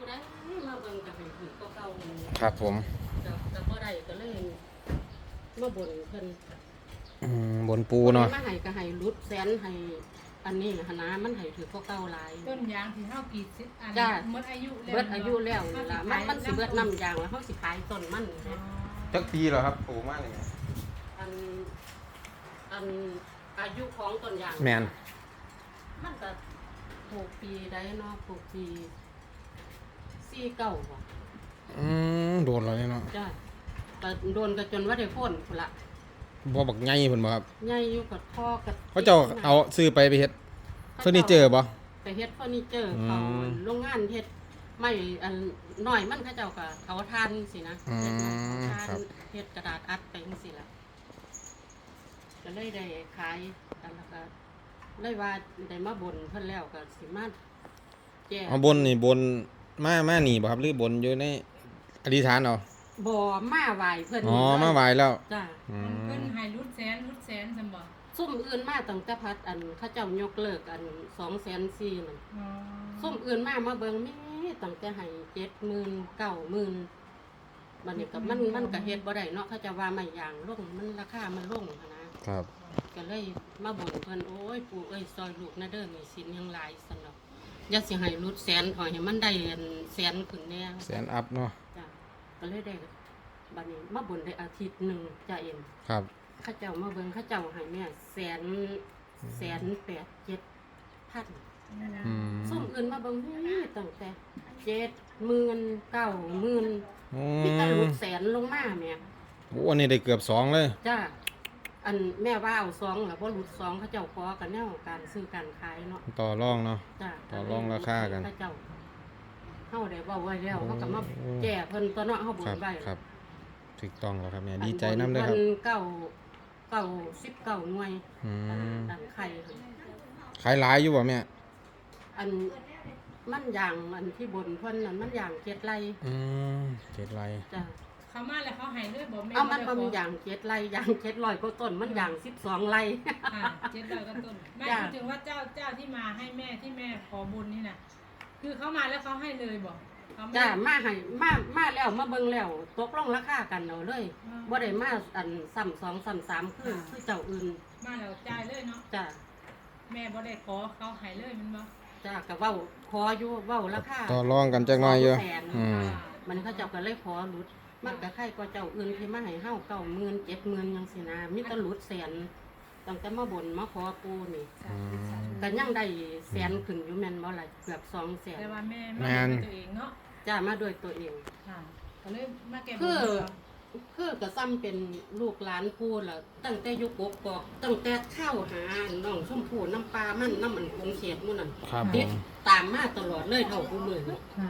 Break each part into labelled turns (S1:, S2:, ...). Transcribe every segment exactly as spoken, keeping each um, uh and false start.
S1: ผู้ใดมาเบิ่งก็ให้ถือเก่าๆ
S2: ครับผม
S1: ก็ก็บ่ได้ก็เลยมาบ่นเพิ่น
S2: อืมบนปูเนาะ
S1: มาให้ก็ให้รุดแสนให้อันนี้หนนะมันให้ถือเก่าๆหลาย
S3: ต้นยางที่เฮากรีดสิบอันหมดอายุแล้ว
S1: เบิดอายุแล้วนี่ล่ะมันมันสิเบิดน้ำยางแล้วเฮาสิขายต้นมัน
S2: จักปีเหรอครับปูมากเลย
S1: อันอันอายุของต้นยาง
S2: แมน
S1: มันก็หกปีได้เนาะหกปีสี่เก้าบ่
S2: อืมโดนแล้วเนาะ
S1: จ้ะก็โดนก็จนว่าได้พ้นพุ่นละ
S2: บ่บักใหญ่เพิ่นบ่ครับ
S1: ใหญ่อยู่กับพ่อกับ
S2: เขาเจ้าเอาซื้อไปไปเฮ็ดเฟอร์นิเจอร์บ่
S1: ไปเฮ็ดเฟอร์นิเจอร์เขาโรงงานเฮ็ดไม่อันน้อยมันเขาเจ้าก็เขาทานสินะ
S2: อืม
S1: ทานเฮ็ดกระดาษอัดไปจังซี่ล่ะก็เลยได้ขายอันแล้วก็เลยว่าได้มาบนเพิ่นแล้วก็สิมาแก้
S2: เอาบนนี่บนมามานี่บ่ครับหรือบนอยู่ในอธิษฐานเอา
S1: บ่มาไหว้เพิ่น
S2: อ๋อมาไหว้แล้ว
S1: จ้ะ
S3: เพิ่นให้รุดแสนรุดแสนซั่นบ่
S1: ซุ่มอื่นมาตั้งแต่พัดอันเขาเจ้ายกเลิกอัน สองแสนสี่หมื่น
S3: อ๋อ
S1: ซุ่มอื่นมามาเบิ่งมีตั้งแต่ให้ เจ็ดหมื่น เก้าหมื่น บัดนี้ก็มันมันก็เฮ็ดบ่ได้เนาะเขาจะว่าไม่ยางลงมันราคามันลงหั้นนะครับก็เลยมาบ่นเพิ่นโอ้ยปู่เอ้ยซอยลูกนะเด้อมีสินยังหลายซั่นเนาะอย่าสิให้รุดแสนขอให้มันได้อันแสนขึ้นแน่
S2: แสนอัพเนาะ
S1: จ้ะก็เลยได้บัดนี้มาบ่นได้อาทิตย์หนึงจ้ะเอ็ม
S2: ครับ
S1: ข้าเจ้ามาเบิ่งข้าเจ้าให้แม่แสนแสนแปดเจ็ดพันส้มอื่นมาเบิ่งนี่ตั้งแต่เจ็ดหมื่นเก้าหมื่นพี่ตะลุแสนลงมาแม่
S2: โอ้อันนี้ได้เกือบสองเลย
S1: จ้าอันแม่ว่าเอาสองแล้วบ่หลุดสองเขาเจ้าขอกันแนวการซื้อการขายเนาะ
S2: ต่อรองเนาะ
S1: จ้า
S2: ต่อรองราคากัน
S1: ข้าเจ้าเฮาได้เว้าไว้แล้วเฮาก็มาแก้เพิ่นตัวเนาะเฮาบ่นไว้
S2: ครับถูกต้องแล้วครับแม่ดีใจนำเด้อครับ
S1: เก้าเก้าสิบเก้าหน่วยดังไข่
S2: ขายหลายอยู่บ่แม่
S1: อันมันอย่างอันที่บนเพิ่นนั่นมันอย่างเจ็ดไร่
S2: อืมเจ็ดไร่
S1: จ้ะ
S3: เขามาแล้วเขาให้เลยบ่แม่
S1: เอามันบ่มีอย่างเจ็ดไร่อย่างเจ็ดร้อยกว่าต้นมันอย่างสิบสองไร่
S3: ค่ะเจ็ดร้อยกว่าต้นไม่พูดถึงว่าเจ้าเจ้าที่มาให้แม่ที่แม่ขอบุญนี่น่ะคือเขามาแล้วเขาให้เลยบ่
S1: จ้ะมาให้มามาแล้วมาเบิ่งแล้วตกลงราคากันเอาเลยบ่ได้มาอันซ้ำสองซ้ำสามคือคือเจ้าอื่น
S3: มาแล้วจ่ายเลยเนาะ
S1: จ้ะ
S3: แม่บ่ได้ขอเขาให้เลยมันบ่
S1: จ้ะก็เว้าขออยู่เว้าราคา
S2: ต่อรองกันจักหน่อยอยู่
S1: อืมมันเขาเจ้าก็เลยขอหลุดมันก็ใครก็เจ้าอื่นที่มาให้เฮาเก้าหมื่น เจ็ดหมื่นจังซี่นะมีแต่หลุดแสนตั้งแต่มาบ่นมาขอปู่นี่ก็ยังได้แสนขึ้นอยู่แม่นบ่ล่ะเกือบสองแสน
S3: แต่ว่าแม่มาด้วยตัวเองเนาะ
S1: จ้ามาด้วยตัวเอง
S3: ค่ะก็เลยมาแก้
S1: คือคือก็ซ้ำเป็นลูกหลานปู่ล่ะตั้งแต่ยุคกกอกตั้งแต่เข้าหาน้องชมพู่น้ำปลามันน้ำมันคงเขตหมู่นั่นติดตามมาตลอดเลยเท่าผู้มื้อ
S3: ค่ะ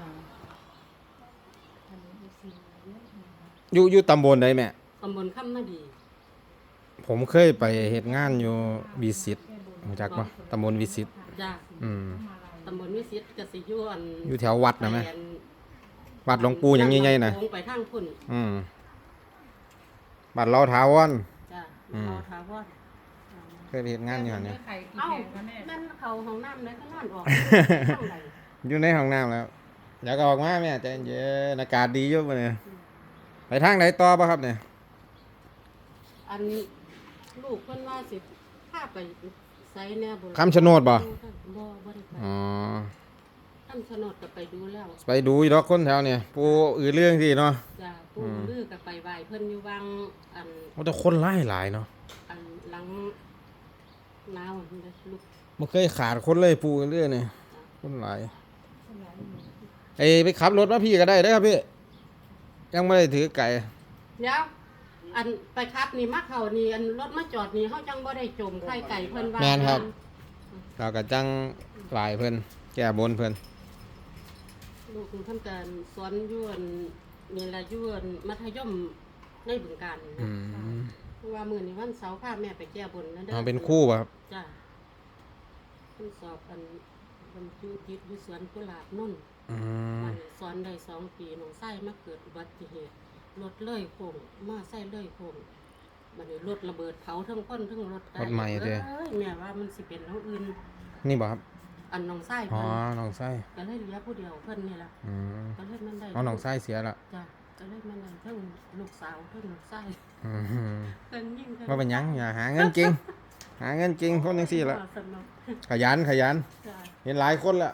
S2: อยู่อยู่ตำบลใดแม่
S1: ตำบลคำนาดี
S2: ผมเคยไปเฮ็ดงานอยู่วิสิตรู้จักบ่ตำบลวิสิต
S1: จ้า
S2: อืม
S1: ตำบลวิสิตก็สิอยู่อัน
S2: อยู่แถววัดนะแม่วัดหลวงปู่หยังใหญ่ๆน่ะ
S1: ไปทางพุ่น
S2: อืมบัดเราถาวร
S1: จ้าเราถาวร
S2: เคยไปเฮ็ดงานอยู่หั่นเนี่ย
S1: เอ้านั่นเขาห้องน้ำเลยก็นอนออก
S2: อยู่ในห้องน้ำแล้วอยากออกมาแม่ใจเย็นอากาศดีอยู่มื้อนี้ไปทางไหนต่อบ่ครับเนี่ย
S1: อันลูกเพิ่นว่าสิพาไปไสแน่บ่
S2: คำชะโนดบ่
S1: บ่บ่ได้ไป
S2: อ๋อ
S1: คำชะโนดก็ไปดูแล้ว
S2: ไปดูอยู่ดอกคนแถวเนี่ยปู่อือเรื่องสิเนาะ
S1: จ้ะปู่ลือก็ไปไหว้เพิ่นอยู่วังอัน
S2: โอ้แต่คนหลายหลายเนาะ
S1: อันหลังนาวนี่เด้อลูก
S2: บ่เคยขาดคนเลยปู่เรื่องนี่คนหลายไอ้ไปขับรถมาพี่ก็ได้เด้อครับพี่ยังไม่ได้ถือไก่
S1: เดี๋ยวอันไปครับนี่มาเขานี่อันรถมาจอดนี่เขาจังบ่ได้จมไข่ไก่เพิ่นว่า
S2: แม่นครับเราก็จังหลายเพิ่นแก้บนเพิ่น
S1: ลูกเพิ่นก็สอนอยู่อันนี่ล่ะอยู่อันมัธยมในบึงกาฬ
S2: อืม
S1: เพราะว่ามื้อนี้วันเสาร์พาแม่ไปแก้บนนั่นเด้อ
S2: อ๋อเป็นครูบ่ครับ
S1: จ้ะเพิ่นสอบอันบรรจุจิตอยู่สวนกุหลาบนนท์
S2: อืม
S1: สอนได้สองปีน้องไส้มาเกิดอุบัติเหตุรถเลื่อยโค้งมาไส้เลื่อยโค้งบัดนี้รถระเบิดเผาทั้งคนทั้งรถ
S2: รถใหม่เด้อ
S1: แม่ว่ามันสิเป็นเฮาอื่น
S2: นี่บ่ครับ
S1: อันน้องไส้
S2: อ๋อ
S1: เพิ่น
S2: น้องไส้
S1: ก็เลยเหลือผู้เดียวเพิ่นนี่ล่ะ
S2: อืม
S1: ก็เลยมันได้
S2: เอาน้องไส้เสียละ
S1: จ้ะก็เลยมันได้เทั้งลูกสาวเทั้งลูกไส้
S2: อืม
S1: เพิ่นยิ่งเพิ่
S2: ว่าเป็นหยังอย่าหาเงินเก่งหาเงินเก่งคนจังซี่ละ
S1: สนุก
S2: ขยันขยัน
S1: จ้ะ
S2: เห็นหลายคนละ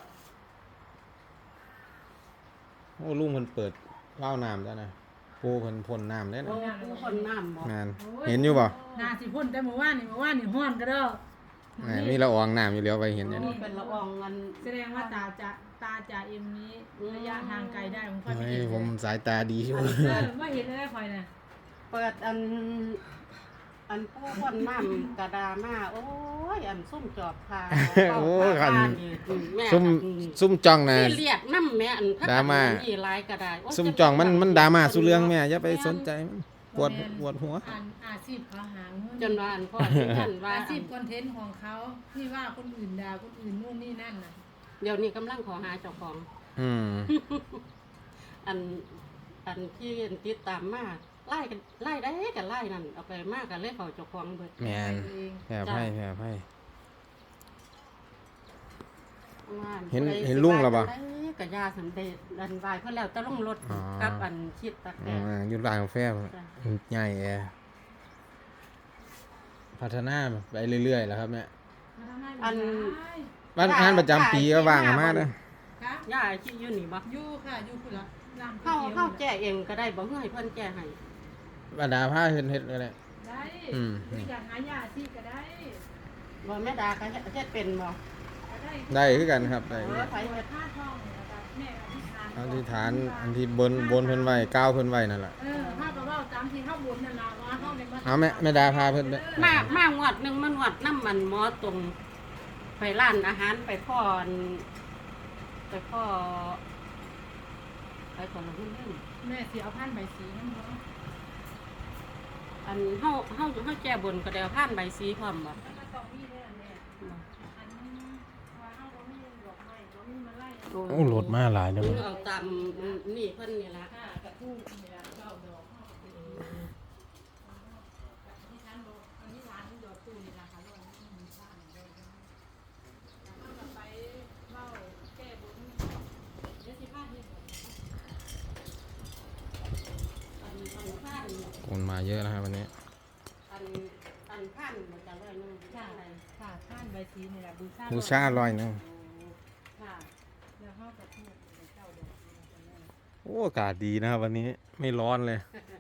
S2: โอ้ลุงเพิ่นเปิดว่าวน้ำจ้ะนะปูเพิ่นพ่นน้ำได้
S1: โอ้
S2: นะ
S1: ผู้คนน้ำบ่
S2: งานเห็นอยู่บ่
S3: นาสิพ่นแต่เมื่อวานนี่เมื่อวานนี่ฮ้อนก็เด้อ
S2: แหมมีละอองน้ำอยู่แล้วไปเห็นอยู่
S1: โอ้
S2: นี่
S1: เป็นละอองเงิน
S3: แสดงว่าตาจะตาจะเอ็มนี้ระยะทางไกลได้ผมค่อยไป
S2: เฮ้ย
S3: เห็น
S2: ผมสายตาดีอยู่
S3: เออว่าเห็นได้ค่อยน่ะ
S1: เปิดอัน อันผู้คนน้ำกระดามาโอ้ยอันซุ่มจอบพา
S2: โอ้
S1: เข้า
S2: คัน
S1: พานี่แม่
S2: ซุ่ม
S1: อืม
S2: ซุ่มจ้องนะ
S1: ที่เรียกน้ำแม่อันพัก
S2: ดราม่า
S1: อันนี่หลายก็ได้โย
S2: ซุ่ม
S1: จะ
S2: จ้องมันมันดราม่าสู้เรื่องแม่
S1: จ
S2: อย่าไปสนใจมันปวดปวดหัว
S3: อ่านอาชีพเขาหาเงิน
S1: นว่าอันพ่อที่ท่านว่า
S3: อาชีพคอนเทนต์ของเขาที่ว่าคนอื่นด่าคนอื่นนู่นนี่นั่นน่ะ
S1: เดี๋ยวนี้กำลังขอหาเจ้าของ
S2: อืม
S1: อันอันที่ติดตามมาไล่กันไล่ได้กันไล่นั่นเอาไปมากกันเลยเขาเจ้าของเบิด
S2: แม่น
S3: เอง
S2: แผ่ไพ่แผ่ไพ่
S1: ว่า
S2: เห็น
S1: ผู้ใด
S2: เห็นลุงแล้วบ่
S1: สิว่าจั่งใดก็ยาสำเร็จดันวายเพิ่นแล้วแตะลงรถ
S2: อ๋อ
S1: กับอันคิดตัก
S2: อื
S1: แต่
S2: มอยู่ร้านกาแฟ
S1: จ้ะ
S2: ใหญ่แอพัฒนาไปเรื่อยๆแล้วครับแม่
S1: อัน
S2: บ้านงานประจำปีก็ว่างกันมากเด้อ
S3: ค่ะ
S1: ย่าคิดอยู่นี่บ่
S3: อยู่ค่ะอยู่คุณละร้าน
S1: เข้า
S3: ก๋วยตี๋ยว
S1: เข้าแก้เองก็ได้บ่เฮือให้เพิ่นแก้ให้
S2: บรรดาผ้าเฮ็ดเฮ็ดก็ได้
S3: ได้
S2: อืม
S3: หรืออยากหายาที่ก็ได้
S1: บ่แม่ดาก็เฮ็ดเฮ็ดเป็นบ่
S3: ก็ได้
S2: ได้คือกันครับได้
S1: เออไผเฮ็ด
S3: ผ้าทองแล้วก็แม่อธิษฐาน
S2: อธิษฐานอันที่บนบนเพิ่นไว้ก้าวเพิ่นไว้นั่นแหละ
S3: เออผ้าก็เว้าตามที่เข้าบนนั่นล่ะว่าเข้าในมั
S2: เอาแม่แม่ดาพาเพิ่นไป
S1: มามางวดหนึงมันวดน้ำมันหมอตรงไปร้านอาหารไปพ่ออันไปพ่อไปก่อนละเพิ่นเพิ่น
S3: แม่สิเอาผ้าใบสีนั่นบ่
S1: อันเฮาเฮาเฮาแก้บนก็ได้เอาผ่านใบสีพร้อมบ่
S3: แล้วก็ต้องมีแน่แม่อันว่าเฮาบ่มีดอกไม้บ่มีมาไล่
S2: โอ้รถมาหลายเด้อ
S1: เอาตามนี่เพิ่นนี่ล่ะ
S3: ค่ะกระทู้นี่ล่ะเก้าดอกเฮาอธิษฐานบ่อธิษฐานดอกตู้นี่ล่ะค่ะร้อยมีสร้างได้เฮาก็ไปเว้าแก้บนเดี๋ยวสิพาเฮ็ด
S1: อันอันผ่าน
S2: คนมาเยอะนะครับวันนี้
S1: อันอันผ่านมันจะร้อยหนึง
S3: ค่ะ
S1: อะไร
S3: ค่ะท่านใบสีนี่ล่ะบูชา
S2: บูชาร้อยหนึง
S1: ค่ะ
S3: แล้วเฮาก็ทูบเก้าดอกนี่ล่ะค่ะ
S2: โอ้อากาศดีนะครับวันนี้ไม่ร้อนเลย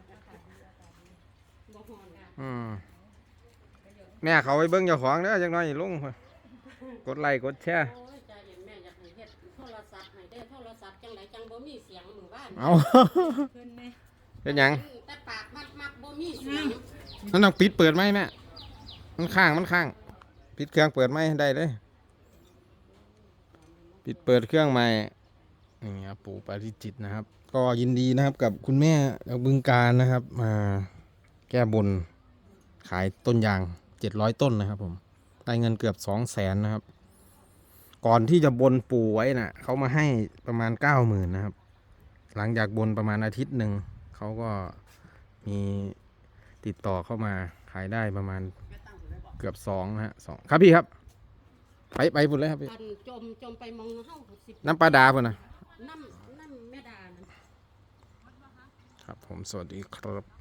S1: บ่ฮ้อนค่ะ
S2: อืมแม่เขาไปเบิ่งเจ้าของเด้อจักหน่อยลงกดไลค์กดแชร์
S1: โอ้ยใจเย็นแม่อยากให้เฮ็ดโทรศัพท์ให้ได้โทรศัพท์จังไดจังบ่มีเสียงมื้อวาน
S2: เอา
S3: เพิ่นแม่
S2: เป็นหยัง
S1: แต่ปากมักมักบ่มีเสียง
S2: นั่นต้องปิดเปิดไหมแม่มันข้างมันข้าง ปิดเครื่องเปิดไหมได้เลย ปิดเปิดเครื่องใหม่นี่ครับปู่ปาริจิตนะครับ ก็ยินดีนะครับกับคุณแม่จากบึงการนะครับ มาแก้บนขายต้นยางเจ็ดร้อยต้นนะครับ ผมได้เงินเกือบสองแสนนะครับ ก่อนที่จะบนปู่ไว้น่ะเขามาให้ประมาณเก้าหมื่นนะครับ หลังจากบนประมาณอาทิตย์หนึ่งเขาก็มีติดต่อเข้ามาขายได้ประมาณเกือบสองนะฮะสองครับพี่ครับ ไปไปพุ่นเลยครับพี่
S1: อันจมจมไปมองเฮาสิ
S2: น้ำปลาดาพุ่นนะ
S1: น้ำน้ำแม่ดานั่น
S2: ครับผมสวัสดีครับ